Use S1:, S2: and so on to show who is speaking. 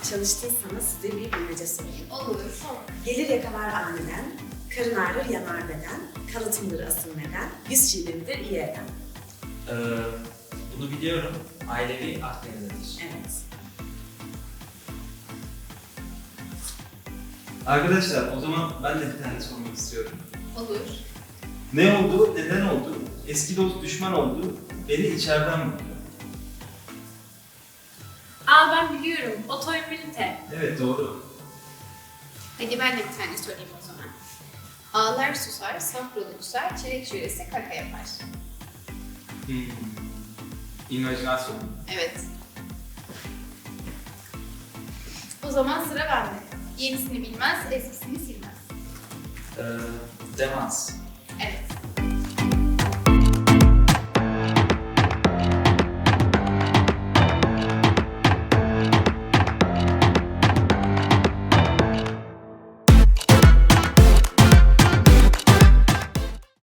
S1: çalıştıysanız size bir bilmece sorayım.
S2: Olur.
S1: Gelir yakalar aniden, karın ağrır yanar beden, kalıtımdır asıl neden, yüz çiğdemidir iyi eden.
S3: Bunu biliyorum. Ailevi Akdeniz'dir.
S1: Evet.
S4: Arkadaşlar o zaman ben de bir tane sormak istiyorum.
S2: Olur.
S4: Ne oldu, neden oldu? Eski dost düşman oldu, beni içeriden vurdu.
S5: Aa ben biliyorum. Otoimmünite.
S4: Evet doğru.
S2: Hadi ben de bir tane sorayım o zaman. Ağlar susar, safralı kusar, çilek şölesi kaka yapar.
S4: İmajinasyon.
S2: Evet. O zaman sıra bende. Yenisini bilmez, eskisini silmez.
S3: Demans.
S2: Evet.